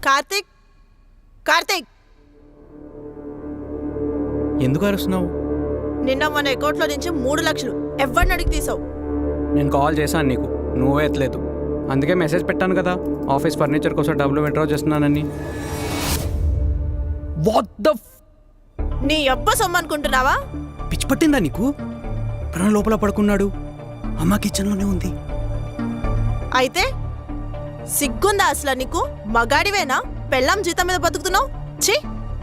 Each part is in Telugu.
కార్తీక్, కార్తీక్, ఎందుకు అరుస్తున్నావు? నిన్న మన అకౌంట్లో నుంచి 3 లక్షలు ఎవరిని అడిగి తీసావు? నేను కాల్ చేశాను నీకు, నువ్వే ఎత్తలేదు. అందుకే మెసేజ్ పెట్టాను కదా, ఆఫీస్ ఫర్నిచర్ కోసం డబ్బులు విత్డ్రా చేస్తున్నానని. వాట్ ద నీ అబ్బ సొమ్ము అనుకుంటున్నావా? పిచ్చి పట్టిందా నీకు? ప్రాణ లోపల పడుకున్నాడు, అమ్మ కిచెన్లోనే ఉంది. అయితే సిగ్గుందా అసలు నీకు? మగాడివేనా? పెళ్ళాం జీతం మీద బతుకుతున్నావు? ఛీ!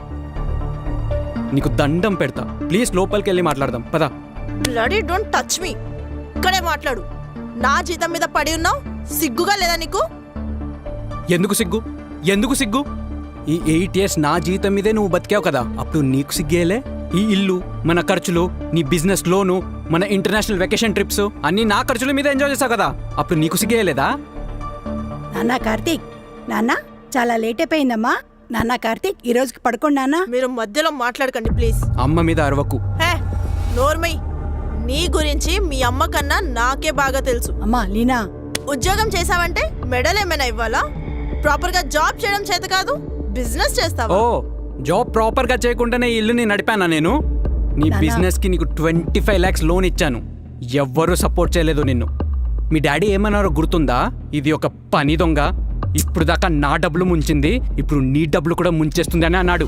నీకు దండం పెడతా, ప్లీజ్ లోపలికి వెళ్ళి మాట్లాడదాం పదా. Bloody don't touch me. ఇక్కడే మాట్లాడు. నా జీతం మీద పడి ఉన్నావు, సిగ్గుగా లేదా నీకు? ఎందుకు సిగ్గు? ఎందుకు సిగ్గు? ఈ 8 years నా జీతం మీదే నువ్వు బతికావు కదా, అప్పుడు నీకు సిగ్గేలే? ఈ ఇల్లు, మన ఖర్చులు, నీ బిజినెస్ లోను, మన ఇంటర్నేషనల్ వెకేషన్ ట్రిప్స్ అన్నీ నా ఖర్చుల మీద ఎంజాయ్ చేసావు కదా, అప్పుడు నీకు సిగ్గేయలేదా? నాన్న కార్తీక్, నాన్న చాలా లేట్ అయిపోయిందమ్మా. నాన్న కార్తీక్, ఈ రోజుకి పడుకోండి నాన్న. మీరు మధ్యలో మాట్లాడకండి ప్లీజ్. అమ్మ మీద అరవకు. హే నోర్మై, నీ గురించి మీ అమ్మ కన్నా నాకే బాగా తెలుసు. అమ్మా లీనా, ఉద్యోగం చేసావంటే మెడల్ ఏమైనా ఇవ్వాలా? ప్రాపర్ గా జాబ్ చేయడం చేత కాదు, బిజినెస్ చేస్తావా? ఓ, జాబ్ ప్రాపర్ గా చేయకుండానే ఈ ఇల్లుని నడిపానా నేను? నీ బిజినెస్ కి నీకు 25 lakhs లోన్ ఇచ్చాను, ఎవ్వరూ సపోర్ట్ చేయలేదు నిన్ను. మీ డాడీ ఏమన్నారో గుర్తుందా? ఇది ఒక పని దొంగ, ఇప్పుడు దాకా నా డబ్బులు ముంచింది, ఇప్పుడు నీ డబ్బులు కూడా ముంచేస్తుంది అని అన్నాడు.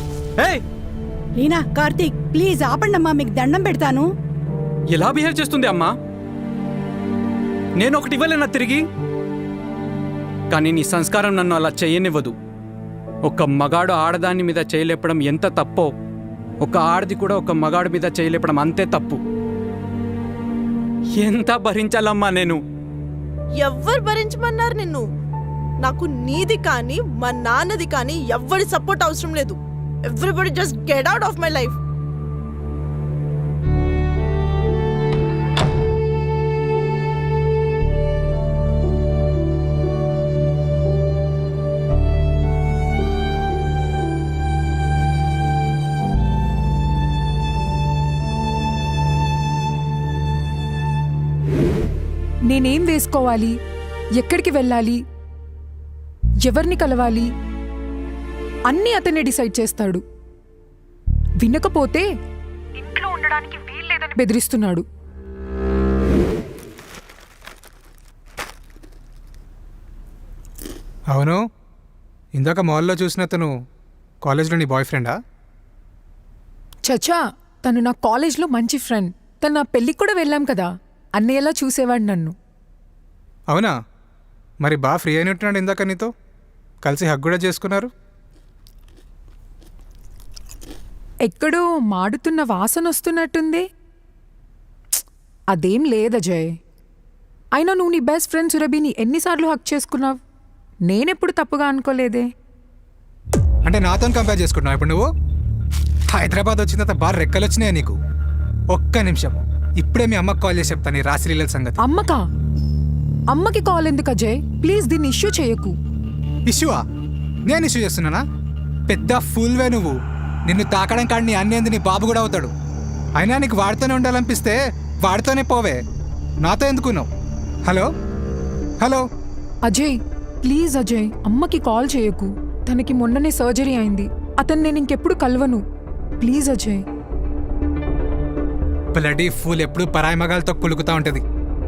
లీనా కార్తీక్ ప్లీజ్ ఆపండమ్మా, మీకు దండం పెడతాను. ఎలా బిహేవ్ చేస్తుంది అమ్మా? నేను ఒకటి ఇవ్వలేనా తిరిగి? కానీ నీ సంస్కారం నన్ను అలా చేయనివ్వదు. ఒక మగాడు ఆడదాని మీద చేయలేపడం ఎంత తప్పో, ఒక ఆడది కూడా ఒక మగాడు మీద చేయలేపడం అంతే తప్పు. ఎంత భరించాలమ్మా నేను? ఎవ్వరు భరించమన్నారు నిన్ను? నాకు నీది కానీ మా నాన్నది కానీ ఎవ్వరి సపోర్ట్ అవసరం లేదు. Everybody just get out of my life. నేనేం వేసుకోవాలి, ఎక్కడికి వెళ్ళాలి, ఎవరిని కలవాలి అన్నీ అతనే డిసైడ్ చేస్తాడు. వినకపోతే ఇంట్లో ఉండడానికి వీల్లేదని బెదిరిస్తున్నాడు. అవును, ఇందాక మాల్లో చూసిన తను కాలేజ్లో నీ బాయ్ ఫ్రెండా? చచా, తను నా కాలేజ్లో మంచి ఫ్రెండ్. తను నా పెళ్ళికి కూడా వెళ్ళాం కదా, అన్నయ్యలా చూసేవాడు నన్ను. అవునా? మరి బాగా ఫ్రీ అయినట్టున్నాడు ఇందాక నీతో, కలిసి హగ్ కూడా చేసుకున్నారు. ఎక్కడో మాడుతున్న వాసన వస్తున్నట్టుంది. అదేం లేదజయ్. అయినా నువ్వు నీ బెస్ట్ ఫ్రెండ్ సురభిని ఎన్నిసార్లు హక్ చేసుకున్నావు? నేనెప్పుడు తప్పుగా అనుకోలేదే. అంటే నాతో కంపేర్ చేసుకుంటున్నావు ఇప్పుడు నువ్వు? హైదరాబాద్ వచ్చిన తర్వాత బాగా రెక్కలు వచ్చినాయా నీకు? ఒక్క నిమిషం, ఇప్పుడే మీ అమ్మకి కాల్ చేసి చెప్తాను ఈ రాశిలీల సంగతి. అమ్మకా? అమ్మకి కాల్ ఎందుకు అజయ్? ప్లీజ్ దీన్ని ఇష్యూ చేయకు. ఇష్యూవా? నేను ఇష్యూ చేస్తున్నానా? పెద్ద ఫుల్వే నువ్వు. నిన్ను తాకడం కాడి నీ అన్నేంది నీ బాబు కూడా అవుతాడు. అయినా నీకు వాడితోనే ఉండాలనిపిస్తే వాడితోనే పోవే, నాతో ఎందుకున్నావు? Hello hello Ajay please Ajay, అమ్మకి కాల్ చేయకు. తనకి మొన్ననే సర్జరీ అయింది. అతను నేను ఇంకెప్పుడు కలవను. ప్లీజ్ అజయ్. బ్లడీ ఫుల్ ఎప్పుడు పరాయి మగాలతో కులుకుతా ఉంటుంది.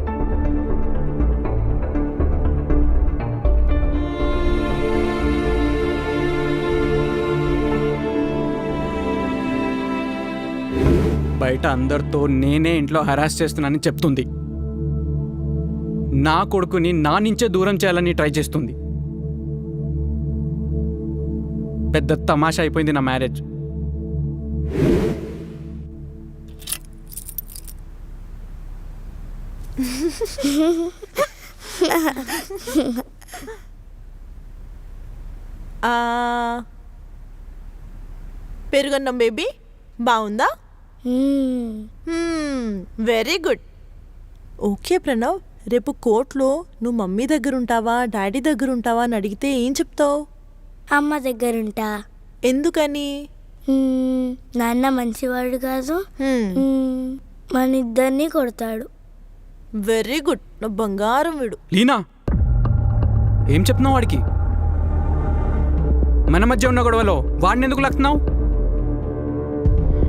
బయట అందరితో నేనే ఇంట్లో హరాస్ చేస్తున్నానని చెప్తుంది. నా కొడుకుని నా నుంచే దూరం చేయాలని ట్రై చేస్తుంది. పెద్ద తమాషా అయిపోయింది నా మ్యారేజ్. పెరుగన్నం బేబీ బాగుందా? Very good. ఓకే ప్రణవ్, రేపు కోర్టులో నువ్వు మమ్మీ దగ్గర ఉంటావా డాడీ దగ్గర ఉంటావా అని అడిగితే ఏం చెప్తావు? అమ్మ దగ్గరుంటా. ఎందుకని? నాన్న మంచివాడు కాదు, మన ఇద్దరిని కొడతాడు. వెరీ గుడ్, నా బంగారం వీడు. లీనా, ఏం చెప్తున్నావు వాడికి? మన మధ్య ఉన్న గొడవలో వాడిని ఎందుకు లాగుతున్నావు?